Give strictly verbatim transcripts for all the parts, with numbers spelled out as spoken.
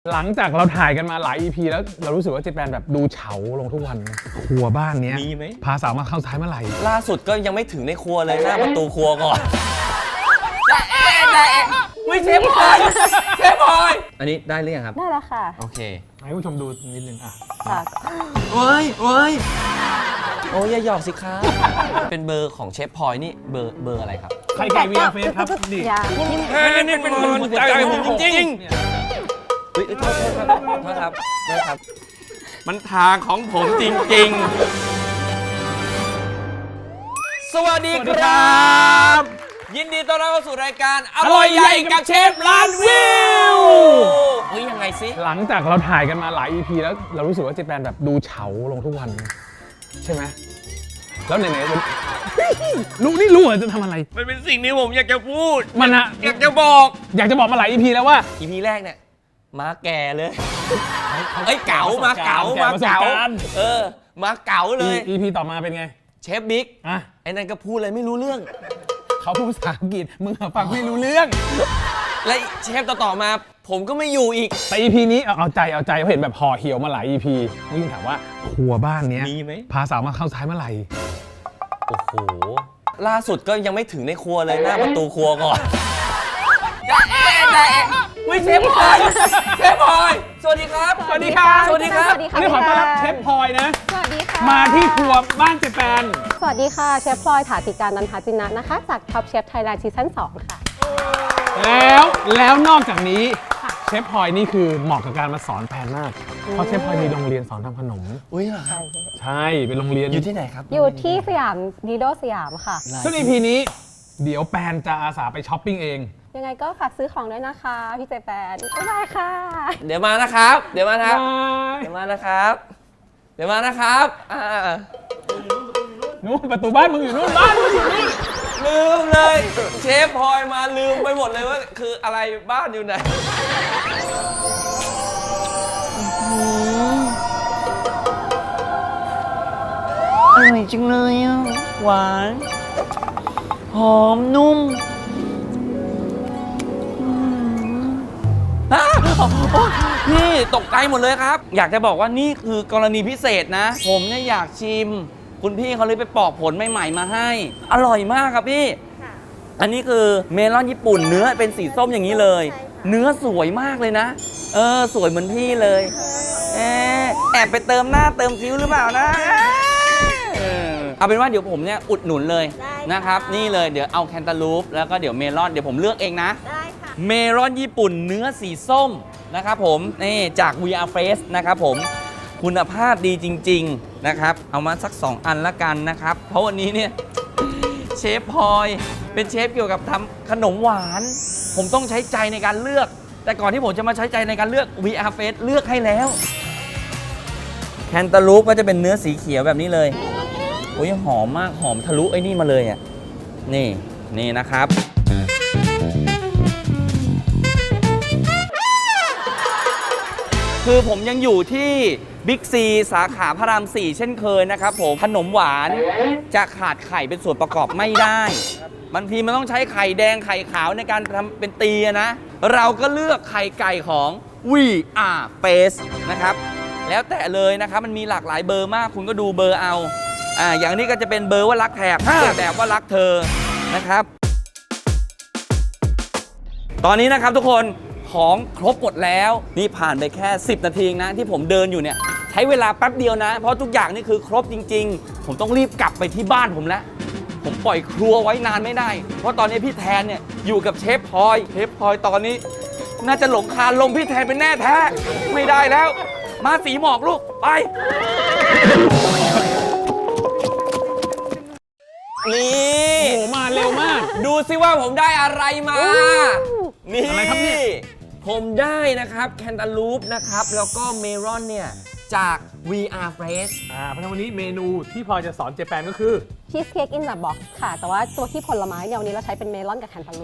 หลังจากเราถ่ายกันมาหลาย อี พี แล้วเรารู้สึกว่าเจแปนแบบดูเฉาลงทุกวันครัวบ้านเนี้ยมีไหมพาสาวมาเข้าท้ายเมื่อไหร่ล่าสุดก็ยังไม่ถึงในครัวเลยหน้าประตูครัวก่อนได้เอ๊ะได้เอ๊ะวิเชฟพลอยเชฟพลอยอันนี้ได้หรือยังครับได้แล้วค่ะโอเคให้ผู้ชมดูนิดนึงอ่ะค่ะเว้ยเว้ยโอ้ยอย่าหยอกสิครับเป็นเบอร์ของเชฟพลอยนี่เบอร์เบอร์อะไรครับใครไก่วีอาร์เฟสครับดิคุณแทนนี่เป็นหัวใจผมจริงๆเฮ้ยโทษโทษครับโทษครับโทษครับมันทางของผมจริงๆสวัสดีครับยินดีต้อนรับเข้าสู่รายการอร่อยใหญ่กับเชฟล้านวิวเฮ้ยยังไงสิหลังจากเราถ่ายกันมาหลาย อี พี แล้วเรารู้สึกว่าเจแปนแบบดูเฉาลงทุกวันใช่ไหมแล้วไหนๆรู้นี่รู้เหรอจะทำอะไรมันเป็นสิ่งที่ผมอยากจะพูดมันอะอยากจะบอกอยากจะบอกมาหลาย อี พี แล้วว่าอี พี แรกเนี่ยมาแก่เลยเอ้ยเก๋ามาเก๋ามาเก๋าเออมาเก๋าเลยอี พี ต่อมาเป็นไงเชฟบิ๊กอ่ะไอ้นั่นก็พูดอะไรไม่รู้เรื่องเขาพูดภาษาอังกฤษมึงฟังไม่รู้เรื่องและเชฟต่อๆมาผมก็ไม่อยู่อีกแต่ อี พี นี้เอาใจเอาใจเห็นแบบห่อเหี่ยวมาหลาย อี พีวิ่งถามว่าครัวบ้านเนี้ยมีไหมพาสาวมาเข้าท้ายเมื่อไหร่โอ้โหล่าสุดก็ยังไม่ถึงในครัวเลยหน้าประตูครัวก่อนได้เอ๊ะได้เอ๊ะวิเชฟพลอยเชฟพลอยสวัสดีครับสวัสดีครับสวัสดีครับวันนี้ขอต้อนรับเชฟพลอยนะสวัสดีค่ะมาที่ครัวบ้านเจแปนสวัสดีค่ะเชฟพลอยถาติการนันทจินะนะคะจากท็อปเชฟไทยแลนด์ซีซั่นสองค่ะแล้วแล้วนอกจากนี้เชฟพลอยนี่คือเหมาะกับการมาสอนแปนมากเพราะเชฟพลอยมีโรงเรียนสอนทำขนมอุ้ยเหรอครับใช่เป็นโรงเรียนอยู่ที่ไหนครับอยู่ที่สยามดีโดสยามค่ะซึ่ง อี พี นี้เดี๋ยวแปนจะอาสาไปช้อปปิ้งเองยังไงก็ฝากซื้อของด้วยนะคะพี่เจแปนบ๊ายบายค่ะเดี๋ยวมานะครับเดี๋ยวมาครับเดี๋ยวมานะครับเดี๋ยวมานะครับอ่านู้นประตูบ้านมึงอยู่นู้นบ้านมึงอยู่นี่ลืมเลยเชฟพลอยมาลืมไปหมดเลยว่าคืออะไรบ้านอยู่ไหนอร่อยจังเลยอ่ะหวานหอมนุ่มนี่ตกใจหมดเลยครับอยากจะบอกว่านี่คือกรณีพิเศษนะผมเนี่ยอยากชิมคุณพี่เขาเลยไปปอกผลใหม่ๆมาให้อร่อยมากครับพี่อันนี้คือเมลอนญี่ปุ่นเนื้อเป็นสีส้มอย่างนี้เลยเนื้อสวยมากเลยนะเออสวยเหมือนพี่เลยแอบแอบไปเติมหน้าเติมคิ้วหรือเปล่านะเอาเป็นว่าเดี๋ยวผมเนี่ยอุดหนุนเลยนะครับนี่เลยเดี๋ยวเอาแคนตาลูปแล้วก็เดี๋ยวเมลอนเดี๋ยวผมเลือกเองนะได้ค่ะเมลอนญี่ปุ่นเนื้อสีส้มนะครับผมนี่จาก วี อาร์ Fresh นะครับผมคุณภาพดีจริงๆนะครับเอามาสักสองอันละกันนะครับเพราะวันนี้เนี่ยเชฟพลอยเป็นเชฟเกี่ยวกับทำขนมหวานผมต้องใช้ใจในการเลือกแต่ก่อนที่ผมจะมาใช้ใจในการเลือก วี อาร์ Fresh เลือกให้แล้วแคนตาลูปก็จะเป็นเนื้อสีเขียวแบบนี้เลยโอ้ยหอมมากหอมทะลุไอ้นี่มาเลยอ่ะนี่นี่นะครับคือผมยังอยู่ที่บิ๊กซีสาขาพระรามสี่เช่นเคยนะครับผมขนมหวานจะขาดไข่เป็นส่วนประกอบไม่ได้บางทีมันต้องใช้ไข่แดงไข่ขาวในการทำเป็นตีนะเราก็เลือกไข่ไก่ของ วี อาร์ Fresh นะครับแล้วแต่เลยนะครับมันมีหลากหลายเบอร์มากคุณก็ดูเบอร์เอาอ่าอย่างนี้ก็จะเป็นเบอร์ว่ารักแถบแบบว่ารักเธอนะครับตอนนี้นะครับทุกคนของครบหมดแล้วนี่ผ่านไปแค่สิบนาทีนะที่ผมเดินอยู่เนี่ยใช้เวลาแป๊บเดียวนะเพราะทุกอย่างนี่คือครบจริงๆผมต้องรีบกลับไปที่บ้านผมแล้วผมปล่อยครัวไว้นานไม่ได้เพราะตอนนี้พี่แทนเนี่ยอยู่กับเชฟพลอยเชฟพลอยตอนนี้น่าจะหลงคาลมพี่แทนเป็นแน่แท้ไม่ได้แล้วมาสีหมอกลูกไปนี่โอ้โหมาเร็วมากดูซิว่าผมได้อะไรมานี่อะไรครับเนี่ยผมได้นะครับแคนตาลูปนะครับแล้วก็เมลอนเนี่ยจาก วี อาร์ Fresh อ่าเพราะฉะนั้นวันนี้เมนูที่พลอยจะสอนเจแปนก็คือชีสเค้กอินเดอะบ็อกซ์ค่ะแต่ว่าตัวที่ผลไม้เนี่ยวันนี้เราใช้เป็นเมลอนกับแคนตาลูป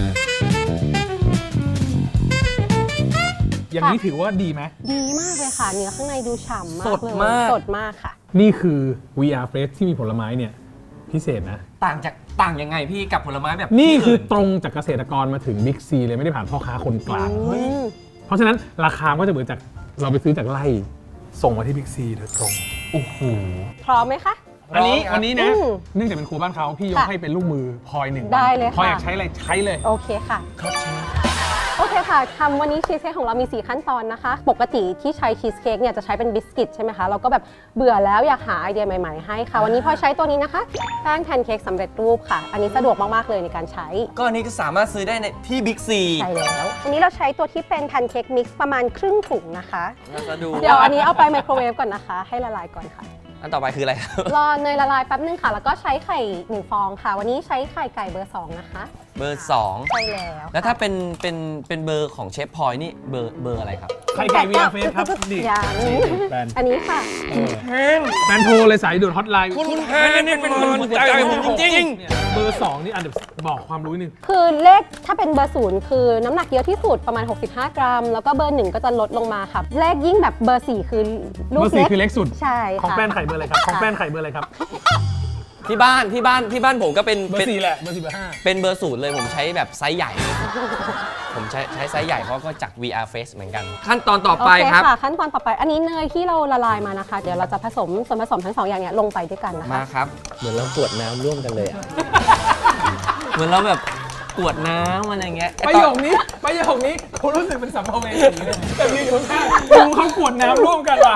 อย่างนี้ถือว่าดีไหมดีมากเลยค่ะเนื้อข้างในดูฉ่ำมากสดเลยมากสดมากค่ะนี่คือ วี อาร์ Fresh ที่มีผลไม้เนี่ยพิเศษนะต่างจากต่างยังไงพี่กับผลไม้แบบนี่คือตรงจากเกษตรกรมาถึงบิ๊กซีเลยไม่ได้ผ่านพ่อค้าคนกลางเฮ้ยเพราะฉะนั้นราคาก็จะเหมือนจากเราไปซื้อจากไร่ส่งมาที่บิ๊กซีโดยตรงโอ้โหพร้อมไหมคะอันนี้พร้อมครับวันนี้นะอืมเนื่องจากเป็นครูบ้านเขาพี่ยกค่ะให้เป็นลูกมือพลอยหนึ่งได้เลยพลอยค่ะอยากใช้อะไรใช้เลยโอเคค่ะครับเชฟโอเคค่ะทำวันนี้ชีสเค้กของเรามี สี่ ขั้นตอนนะคะ ปกติที่ใช้ชีสเค้กเนี่ยจะใช้เป็นบิสกิตใช่ไหมคะ เราก็แบบเบื่อแล้วอยากหาไอเดียใหม่ๆให้ค่ะ วันนี้พลอยใช้ตัวนี้นะคะ แป้งแพนเค้กสำเร็จรูปค่ะ อันนี้สะดวกมากๆเลยในการใช้ก็อันนี้ก็สามารถซื้อได้ในที่บิ๊กซีใช่แล้ว อันนี้เราใช้ตัวที่เป็นแพนเค้กมิกซ์ประมาณครึ่งถุงนะคะน่าจะดูเดี๋ยวอันนี้เอาไปไมโครเวฟก่อนนะคะ ให้ละลายก่อนค่ะอันต่อไปคืออะไรครับรอเนยละลายแป๊บนึงค่ะ แล้วก็ใช้ไข่หนึ่งฟองค่ะ วันนี้ใช้ไข่ไก่เบอร์สองนะคะเบอร์สองใช่แล้วแล้วถ้าเป็นเป็นเป็นเบอร์ของเชฟพลอยนี่เบอร์เบอร์อะไรครับไข่ไก่วีอาร์เฟสครับนี่ยังแบรนด์อันนี้ค่ะแบรนด์โทรเลยสายด่วนฮอตไลน์คุณแพนนี่เป็นหัวใจผมจริงเนี่ยเบอร์สองนี่อันเดี๋ยวบอกความรู้นิดนึงคือเลขถ้าเป็นเบอร์ศูนย์คือน้ำหนักเยอะที่สุดประมาณ หกสิบห้า กรัม แล้วก็เบอร์หนึ่งก็จะลดลงมาค่ะ เลขยิ่งแบบเบอร์สี่คือลูเบกอร์สี่เล็กคือเล็กสุดใช่ของค่ะแป้นไข่เบอร์อะไรครับของแป้นไข่เบอร์อะไรครับๆ ที่บ้านที่บ้านที่บ้านผมก็เป็นเบอเป็นร์สี่แหละเบอร์สี่เบอร์ห้าเป็นเบอร์ศูนย์เลยผมใช้แบบไซส์ใหญ่ ผมใช้ใช้ไซส์ใหญ่เพราะก็จาก วี อาร์ Face เหมือนกัน ขั้นตอนต่อไปโอเคครับค่ะ ขั้นตอนต่อไป อันนี้เนยที่เราละลายมานะคะ เดี๋ยวเราจะผสมส่วนผสมทั้งสองอย่างเนี่ยลงไปด้วยกันนะมาคะครับ เหมือนเรากวดน้ำร่วมกันเลยอะ เหมือนเราแบบกวดน้ำอะไรเงี้ยประโยคนี้ประโยคนี้คุณรู้สึกเป็นสัมภเวสีเลยแต่ยืนอยู่ข้างๆดูเขากวดน้ำร่วมกันว่ะ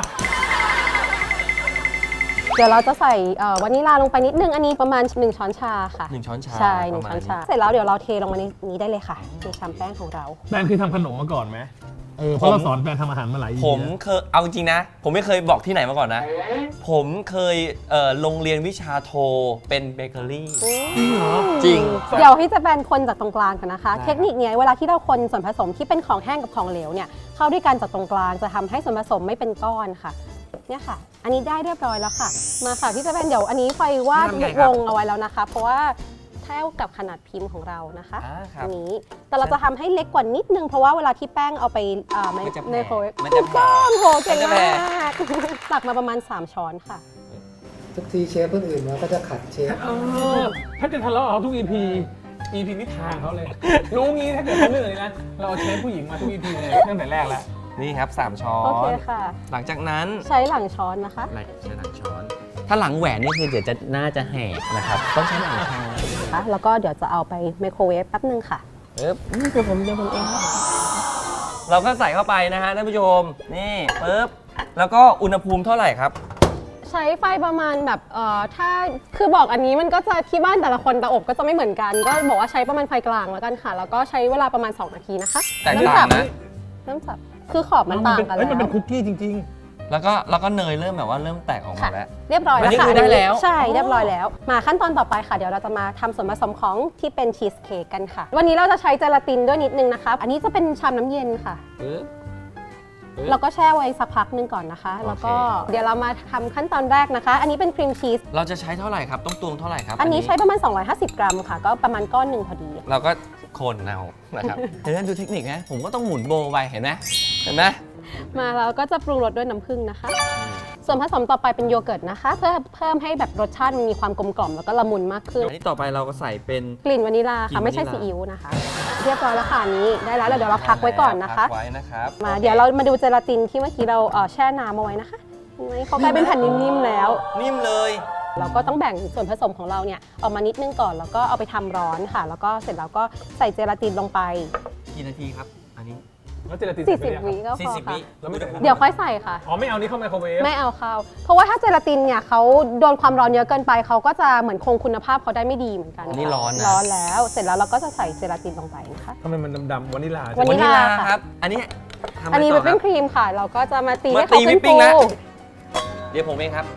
เดี๋ยวเราจะใส่เอ่อวานิลาลงไปนิดนึง อันนี้ประมาณหนึ่งช้อนชาค่ะหนึ่งช้อนชาใช่หนึ่งประช้มาอณนชา เสร็จแล้วเดี๋ยวเราเทลงมาในนี้ได้เลยค่ะในชามแป้งของเราแบรนด์คือทำขนมมาก่อนไหมเออเพราะเราสอนแบรนด์ทำอาหารมาหลายปีผมเคยเอาจริงๆนะ ผมไม่เคยบอกที่ไหนมาก่อนนะ ผมเคยเอ่อลงเรียนวิชาโทเป็นเบเกอรี่ จริงเดี๋ยวให้จะเป็นคนจากตรงกลางกันนะคะได้เทคนิคเนี้ยเวลาที่เราคนส่วนผสมที่เป็นของแห้งกับของเหลวเนี่ยเข้าด้วยกันจากตรงกลางจะทำให้ส่วนผสมไม่เป็นก้อนค่ะเนี่ยค่ะ อันนี้ได้เรียบร้อยแล้วค่ะ มาค่ะพี่จะเป็นเดี๋ยวอันนี้ไฟวาดวงเอาไว้แล้วนะคะ เพราะว่าเท่ากับขนาดพิมพ์ของเรานะคะอ่าครัอับนนี้แต่เราจะทำให้เล็กกว่านิดนึงเพราะว่าเวลาที่แป้งเอาไปเอ่อมันจะแผ่ไมโครเวฟมันจะแผ่โอ้โหเก่งมันจะแผ่มาก ตักมาประมาณสามช้อนค่ะทุกทีเชฟคนอื่นมาก็จะขัดเชฟเออถ้าจะทะเลาะกับเขาทุก อี พี อี พี นี่ทางเขาเลย รู้งี้ถ้าเกิดเขาเหนื่อยนะ เราเอาเชฟผู้หญิงมาทุก อี พี เลยตั้งแต่แรกแล้วนี่ครับสามช้อโอเคน ค่ะหลังจากนั้นใช้หลังช้อนนะคะไหลใช้หลังช้อน ถ้าหลังแหวนนี่คือเดี๋ยวจะน่าจะแหกนะครับ ต้องใช้หลังช้อนนะคะแล้วก็เดี๋ยวจะเอาไปไมโครเวฟแป๊บนึงค่ะปึ๊บนี่เดี๋ยวผมเดี๋ยวผมเองครับเราก็ใส่เข้าไปนะฮะท่านผู้ชม นี่ปึ๊บ แล้วก็อุณหภูมิเท่าไหร่ครับใช้ไฟประมาณแบบเอ่อถ้าคือบอกอันนี้มันก็จะที่บ้านแต่ละคนเตาอบก็จะไม่เหมือนกัน ก็บอกว่าใช้ประมาณไฟกลางแล้วกันค่ะ แล้วก็ใช้เวลาประมาณ สอง นาทีนะคะแตกต่างนะเริ่มจับคือขอบมันต่างกันเอ้แล้ยว มันเป็นคุกกี้จริงแล้วก็แล้วก็เนยเริ่มแบบว่าเริ่มแตกออกมาค่ะแล้วเรียบร้อยอันแล้วนี้ค่ะคือได้แล้วใช่เรียบร้อยแล้ว มาขั้นตอนต่อไปค่ะ เดี๋ยวเราจะมาทำส่วนผสมของที่เป็นชีสเค้กกันค่ะ วันนี้เราจะใช้เจลาตินด้วยนิดนึงนะคะ อันนี้จะเป็นชามน้ำเย็นค่ะปึ๊บ ปึ๊บเราก็แช่ไว้สักพักหนึงก่อนนะคะ แล้วก็โอเคเดี๋ยวเรามาทำขั้นตอนแรกนะคะ อันนี้เป็นครีมชีสเราจะใช้เท่าไหร่ครับ ต้องตวงเท่าไหร่ครับอันนี้ใช้ประมาณ สองร้อยห้าสิบ กรัมค่ะ ก็ประมาณก้อนหนึ่งพอดีเราก็คนเอานะครับ เห็นไหมดูเทคนิคนะ ผมก็ต้องหมุนโบว์ไปเห็นไหมเห็นไหมมาเราก็จะปรุงรสด้วยน้ำผึ้งนะคะ ส่วนผสมต่อไปเป็นโยเกิร์ตนะคะ เพื่อเพิ่มให้แบบรสชาติมันมีความกลมกล่อมแล้วก็ละมุนมากขึ้นอันนี้ต่อไปเราก็ใส่เป็นกลิ่นวานิลากลิ่ค่ะนไม่ใช่วานิลาซีอิ๊วนะคะ เรียบร้อยแล้วค่ะอันนี้ได้แล้วแล้วเดี๋ยวเราพักไว้ก่อนนะคะพักไว้นะครับมาเดี๋ยวเรามาดูเจลาตินที่เมื่อกี้เราเอ่อแช่น้ำเอาไว้นะคะเห็นไหมเขากลายเป็นแผ่นนิ่มๆแล้วนิ่มเลยเราก็ต้องแบ่งส่วนผสมของเราเนี่ยออกมานิดนึงก่อนแล้วก็เอาไปทำร้อนค่ะ แล้วก็เสร็จแล้วก็ใส่เจลาตินลงไปกี่นาทีครับ อันนี้ๆ แล้วเจลาตินสี่ใส่สิบไปวิเลยครับก็พอสี่สิบค่ะวิแล้วไม่ได้เดี๋ยวค่อยใส่ค่ะอ๋อไม่เอานี่เข้าไมโครเวฟไม่เอาเข้า เพราะว่าถ้าเจลาตินเนี่ยเขาโดนความร้อนเยอะเกินไปเขาก็จะเหมือนคงคุณภาพเขาได้ไม่ดีเหมือนกันอันนี้ร้อนนะร้อนแล้ว เสร็จแล้วเราก็จะใส่เจลาตินลงไปนะคะทำไมมันดำๆวานิลาใช่วาไหมนิลา ค่ะครับ อันนี้ทำอะไรอันนี้ต่วิอปครัปิ้งบครีมค่ะ เราก็จะมาตีมาให้เขาตีเป็นวิปปิ้ฟูงนะ เดี๋ยวผมเองครับ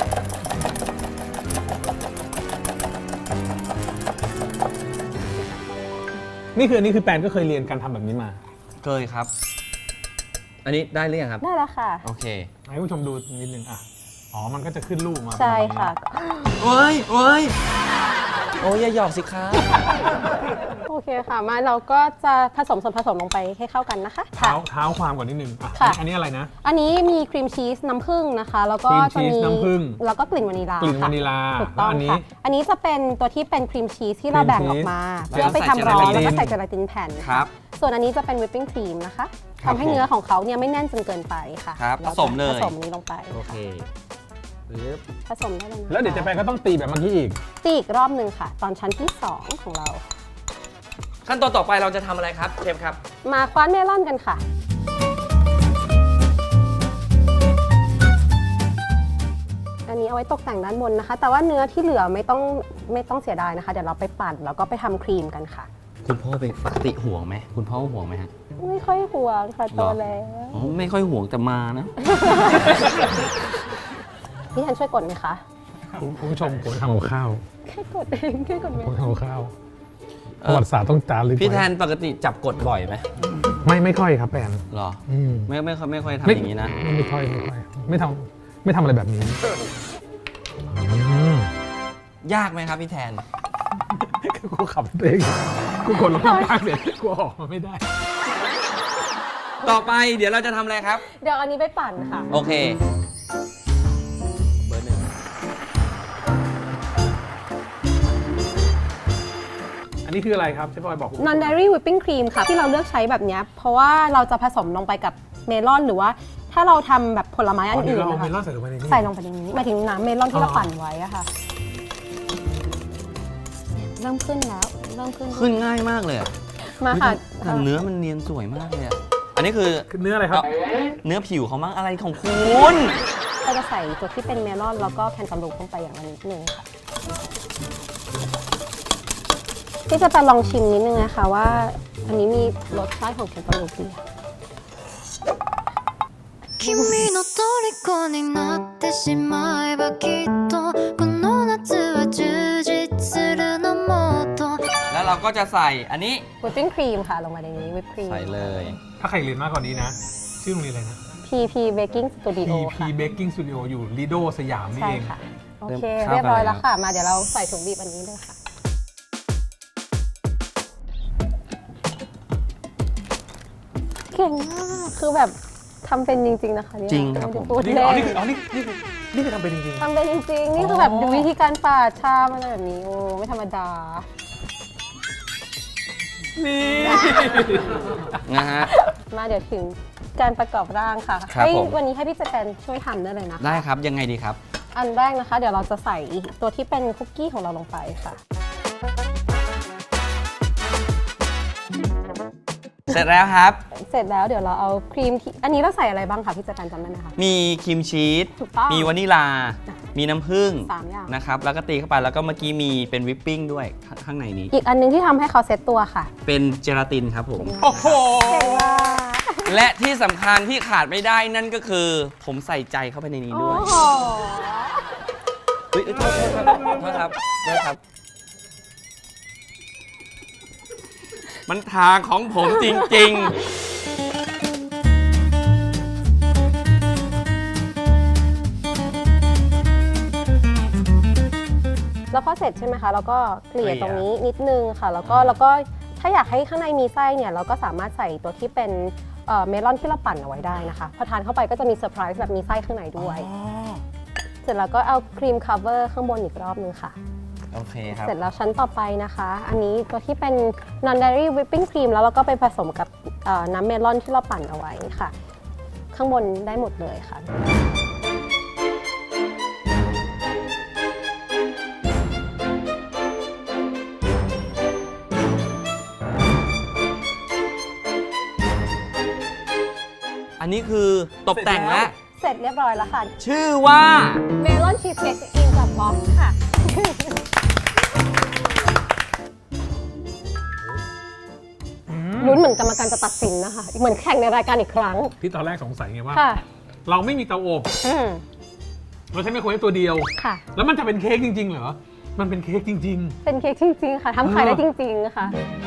นี่คืออันนี้คือแปนก็เคยเรียนการทำแบบนี้มาเคยครับ อันนี้ได้หรือยังครับได้แล้วค่ะโอเคให้ผู้ชมดูนิดนึงอ่ะ อ๋อ มันก็จะขึ้นรูปมาใช่ค่ะเว้ยเว้ยโอ้ยอย่าหยอกสิครับโอเคค่ะ มาเราก็จะผสมส่วนผสมลงไปให้เข้ากันนะคะเท้าเท้าความก่อนนิดนึงอ่ะค่ะอันนี้อะไรนะอันนี้มีครีมชีสน้ำผึ้งนะคะ แล้วก็ครีมจะชีสมีน้ำผึ้งแล้วก็กลิ่นวานิลากลิ่นวานิลาถูกต้องแล้วอันนี้ค่ะ อันนี้จะเป็นตัวที่เป็นครีมชีสที่เราแบ่งออกมาครีมชีสเพื่อไปทำร้อนแล้แล้ว วก็ก็ใส่ใส่เจเจลาลาติตินนแผ่นครับส่วนอันนี้จะเป็นวิปปิ้งครีมนะคะครับทำให้เนื้อของเขาเนี่ยไม่แน่นจนเกินไปค่ะครับราผสมเลยผสมนี้ลงไปโอเคค่ะผสมได้เลยนะคะแล้วเดี๋ยวเจแปนก็ต้องตีแบบเมื่อกี้อีกตีอีกรอบหนึ่งค่ะ ตอนชั้นที่สองของเราขั้นตอนต่อไปเราจะทำอะไรครับเชฟครับมาคว้านเมลอนกันค่ะ อันนี้เอาไว้ตกแต่งด้านบนนะคะ แต่ว่าเนื้อที่เหลือไม่ต้องไม่ต้องเสียดายนะคะ เดี๋ยวเราไปปั่นแล้วก็ไปทำครีมกันค่ะคุณพ่อเป็นปกติห่วงไหมคุณพ่อห่วงไหมฮะไม่ค่อยห่วงค่ะโตหรอแล้วอ๋อไม่ค่อยห่วงแต่มานะพี่แทนช่วยกดไหมคะคุณผู้ชมผมทำกับข้าวแค่กดเองแค่กดไหมผมทำกับข้าวเอประอวัติศาสตร์ต้องจารึกไว้พี่แทนปกติจับกดบ่อยไหมไม่ไม่ค่อยครับแปนหรออืมไม่ไม่ค่อยไม่ค่อยทำไม่อย่างนี้นะไม่ไม่ค่อยไม่ค่อยไม่ทำไม่ทำอะไรแบบนี้อืมยากไหมครับพี่แทนกูขับตัวเองกูกดลงมากเลยกูออกมาไม่ได้ต่อไปเดี๋ยวเราจะทำอะไรครับเดี๋ยวอันนี้ไปปั่นค่ะโอเค เบอร์หนึ่งอันนี้คืออะไรครับเชฟบอยบอกผม non dairy whipping cream ค่ะ ที่เราเลือกใช้แบบเนี้ยเพราะว่าเราจะผสมลงไปกับเมลอนหรือว่าถ้าเราทำแบบผลไม้อันอ๋อเดี๋ยอื่วน เราเอานะเมคะลอนใส่ลงไปในนี้ใส่ลงไปในนี้หมายถึงน้ำเมลอนที่เราอ๋อปั่นไว้อะค่ะ เริ่มขึ้นแล้ว เริ่มขึ้นขึ้นง่ายมากเลยอะมาค่ะแต่เนื้อมันเนียนสวยมากเลยอะอันนี้คือคือเนื้ออะไรครับเนื้อผิวเขามั้งอะไรของคุณเราจะใส่ตัวที่เป็นเมลอนแล้วก็แคนตาลูปลงไปอย่างละนิดนึงค่ะที่จะไปลองชิมนิดนึงนะคะว่า อันนี้มีรสชาติของแคนตาลูปดี君の虜になってしまえばきっとこの夏は充実するのもっとแล้วเราก็จะใส่อันนี้วิปปิ้งครีมค่ะลงมาในนี้วิปครีมใส่เลยถ้าใครเรียนมากกว่านี้นะ ชื่อโรงเรียนอะไรนะพี พี Baking Studio พี พีค่ะ Baking Studio อยู่ลีโดสยามนี่ใช่เองค่ะ โอเริ่มเคเข้าเรียบร้อยกันแล้วแล้วค่ะ มาเดี๋ยวเราใส่ถุงบีบอันนี้เลยค่ะ เก่งมาก คือแบบทำเป็นจริง ๆ นะคะเนี่ยจริงครับผมไได้พูดนี่เล่อ๋อน นี่คืออ๋อนี่นี่คือนี่คือทำเป็นจริงทำเป็นจริง ๆ นี่คือแบบดูวิธีการปาดชามอะไรแบบนี้ โอ้ ไม่ธรรมดาๆนี่นะฮะมาเดี๋ยวถึงการประกอบร่างค่ะครับให้ผมวันนี้ให้พี่เจแปนช่วยทำได้เลยนะคะได้ครับยังไงดีครับอันแรกนะคะ เดี๋ยวเราจะใส่ตัวที่เป็นคุกกี้ของเราลงไปค่ะเสร็จแล้วครับเสร็จแล้วเดี๋ยวเราเอาครีมที่อันนี้เราใส่อะไรบ้างคะพี่เจแปนจำได้ไหมคะมีครีมชีสถูกต้องมีวานิลา มีน้ำผึ้งสามอย่างนะครับ แล้วก็ตีเข้าไป แล้วก็เมื่อกี้มีเป็นวิปปิ้งด้วยข้างข้างในนี้อีกอันนึงที่ทำให้เขาเซ็ตตัวค่ะเป็นเจลาตินครับผมโอ้โหเก่งมากและที่สำคัญที่ขาดไม่ได้นั่นก็คือ ผมใส่ใจเข้าไปในนี้โอ้ด้วยโหเฮ้ยเอ้ยโทษโทษครับโทษครับโทษครับ มันทางของผมจริงแล้วพอเสร็จใช่ไหมคะแล้วก็เกลี่ยเกลี่ยตรงนี้นิดนึงค่ะ แล้วก็แล้วก็ถ้าอยากให้ข้างในมีไส้เนี่ยเราก็สามารถใส่ตัวที่เป็นเอ่อเมลอนที่เราปั่นเอาไว้ได้นะคะ พอทานเข้าไปก็จะมีเซอร์ไพรส์แบบมีไส้ข้างในด้วย เสร็จแล้วก็เอาครีมคัฟเวอร์ข้างบนอีกรอบนึงค่ะๆ โอเคครับเสร็จแล้วชั้นต่อไปนะคะ อันนี้ตัวที่เป็น non dairy whipping cream แล้วเราก็ไปผสมกับเอ่อน้ำเมลอนที่เราปั่นเอาไว้ค่ะ ข้างบนได้หมดเลยค่ะอันนี้คือตกแต่งแล้วเสร็จเรียบร้อยแล้วค่ะชื่อว่าเมลอนชีสเค้กอินกับบ็อกค่ะ ลุ้นเหมือนกรรมการจะตัดสินนะคะ เหมือนแข่งในรายการอีกครั้งที่ตอนแรกสงสัยไงว่าค่ะเราไม่มีเตาอบอืมเราใช้ไมโครเวฟตัวเดียวค่ะแล้วมันจะเป็นเค้กจริง ๆ เหรอ มันเป็นเค้กจริงเป็นเค้กจริง ๆ ค่ะทำขายได้จริง ๆ ค่ะ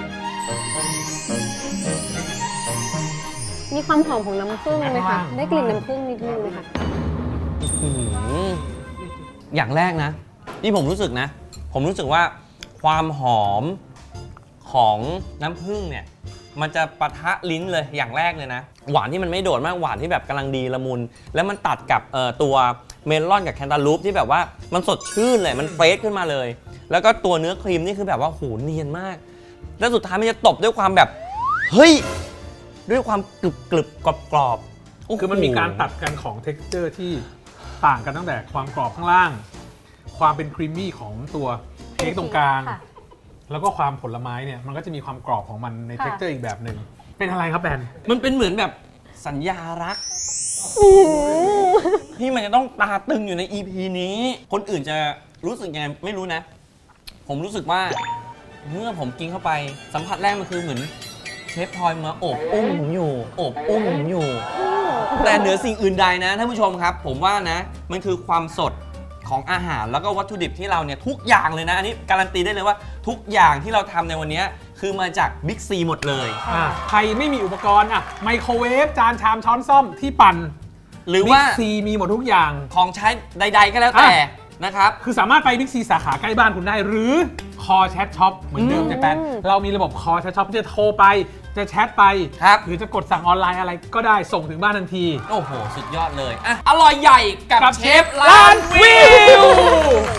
มีความหอมของน้ำผึ้งไหมคะ ได้กลิ่นน้ำผึ้งนิดนึงไหมคะอื้อหืออย่างแรกนะ ที่ผมรู้สึกนะ ผมรู้สึกว่าความหอมของน้ำผึ้งเนี่ย มันจะปะทะลิ้นเลยอย่างแรกเลยนะ หวานที่มันไม่โดดมากหวานที่แบบกำลังดีละมุน แล้วมันตัดกับเอ่อตัวเมลอนกับแคนตาลูปที่แบบว่ามันสดชื่นเลยมันเฟรชขึ้นมาเลย แล้วก็ตัวเนื้อครีมนี่คือแบบว่าโหเนียนมาก แล้วสุดท้ายมันจะตบด้วยความแบบเฮ้ย ด้วยความกรึบกรึบกรอบกรอบๆโโหคือมันมีการตัดกันของ texture ที่ต่างกันตั้งแต่ความกรอบข้างล่าง ความเป็นครีมมี่ของตัวเค้กตรงกลางค่ะแล้วก็ความผลไม้เนี่ยมันก็จะมีความกรอบของมันในค่ะ texture อีกแบบหนึ่งเป็นอะไรครับแบนมันเป็นเหมือนแบบสัญญารัก ที่มันจะต้องตาตึงอยู่ใน อี พี นี้ คนอื่นจะรู้สึกยังไงไม่รู้นะ ผมรู้สึกว่าเมื่อผมกินเข้าไปสัมผัสแรกมันคือเหมือนเชฟพลอยมาโอบอุ้มผมอยู่โอบอุ้มผมอยู่ แต่เหนือสิ่งอื่นใดนะท่านผู้ชมครับ ผมว่านะมันคือความสดของอาหารแล้วก็วัตถุดิบที่เราเนี่ยทุกอย่างเลยนะ อันนี้การันตีได้เลยว่าทุกอย่างที่เราทำในวันนี้คือมาจากบิ๊กซีหมดเลยอ่ะใครไม่มีอุปกรณ์อ่ะไมโครเวฟจานชามช้อนส้อมที่ปั่นหรือว่าบิ๊กซีมีหมดทุกอย่างของใช้ใด ๆ ก็แล้วแต่นะครับคือสามารถไปบิ๊กซีสาขาใกล้บ้านคุณได้ หรือคอแชทช็อปเหมือนเดิมอืมเจแปนเรามีระบบคอแชทช็อปที่จะโทรไปจะแชทไปครับหรือจะกดสั่งออนไลน์อะไรก็ได้ส่งถึงบ้านทันทีโอ้โห สุดยอดเลยอ่ะอร่อยใหญ่กับกับเชเชฟฟล้าล้าน นวิวิวว